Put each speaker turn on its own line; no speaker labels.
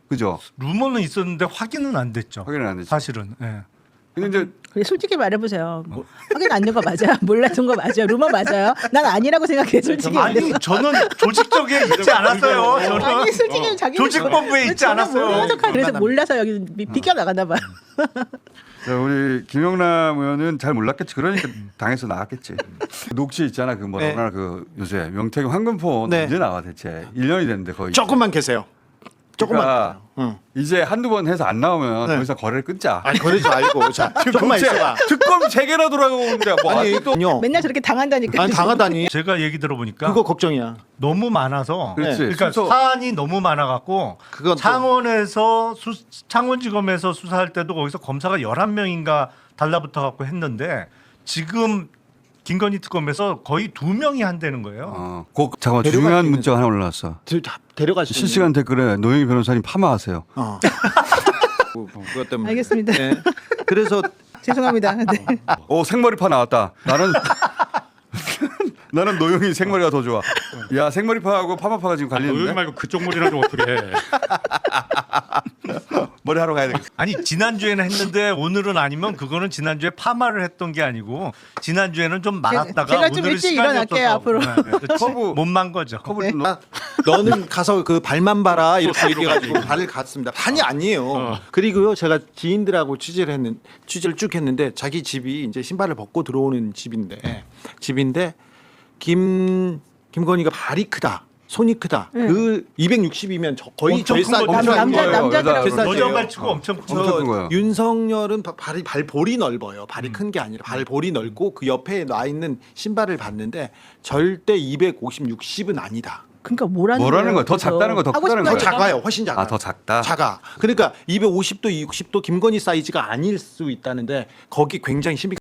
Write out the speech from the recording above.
그죠?
루머는 있었는데 확인은 안 됐죠.
확인은 안 됐죠.
사실은. 예.
근데 이제
그래, 솔직히 말해보세요. 확인 안 된 거 맞아요? 몰랐던 거 맞아요? 루머 맞아요? 난 아니라고 생각해 솔직히.
아니 저는 조직적에 있지 않았어요. 저는
아니 솔직히 자기
조직본부에 있지 않았어요.
그래서 몰라서 여기 비껴 나갔나 봐요.
자, 우리 김영남 의원은 잘 몰랐겠지. 그러니까 당에서 나왔겠지. 녹취 있잖아. 그 뭐라
네.
그 요새 명태균 황금포
네.
언제 나와 대체 1년이 됐는데 거의.
조금만 계세요. 조금만.
그러니까
응.
이제 한두 번 해서 안 나오면
네.
더 이상 거래를 끊자.
아니 거리지 말고 자 조금만 있어봐.
특검 3개나 돌아가는데 뭐
아니 또요.
맨날 저렇게 당한다니까.
아니 당하다니.
제가 얘기 들어보니까
그거 걱정이야.
너무 많아서
그렇지.
그러니까
순서-
사안이 너무 많아갖고
그건 또-
창원지검에서 수사할 때도 거기서 검사가 11명인가 달라붙어갖고 했는데 지금 김건희 특검에서 거의 2명이 한다는 거예요.
잠깐만
데려갈
중요한
수 있는-
문자가 하나 올라왔어.
데려갈 수 있는.
실시간 댓글에 노영희 변호사님 파마하세요.
그것 때문에.
알겠습니다.
네. 그래서
죄송합니다. 네.
생머리파 나왔다. 나는 노영희 생머리가 더 좋아. 야 생머리파하고 파마파가 지금
여기
갈리는데
말고 그쪽 머리라도 어떻게 해?
머리 하러 가야 되겠어.
아니 지난주에는 했는데 오늘은 아니면 그거는 지난주에 파마를 했던 게 아니고 지난주에는 좀 말았다가
제가 좀
오늘은
일찍
시간이
일어날게요,
없어서.
앞으로.
커브-
못만 거죠.
커브를 좀 넣어.
너는 가서 그 발만 봐라 이렇게 얘기해가지고 발을 갔습니다. 판이 아니에요. 그리고요 제가 지인들하고 취재를 쭉 했는데 자기 집이 이제 신발을 벗고 들어오는 집인데 김건희가 발이 크다. 손이 크다. 그 260이면 거의
엄청 큰
제일
거죠.
싼
남자들하고
제일 싼
여자
거예요.
발치고 엄청
엄청 큰 거예요.
윤석열은 발볼이 넓어요. 발이 큰 게 아니라 발볼이 넓고 그 옆에 놔 있는 신발을 봤는데 절대 250, 60은 아니다.
그러니까 뭐라는
거야? 더 작다는 거, 더
하고
크다는
싶은
거야?
더 작아요. 훨씬 작아.
더 작다.
작아. 그러니까 250도, 60도 김건희 사이즈가 아닐 수 있다는데 거기 굉장히 신비.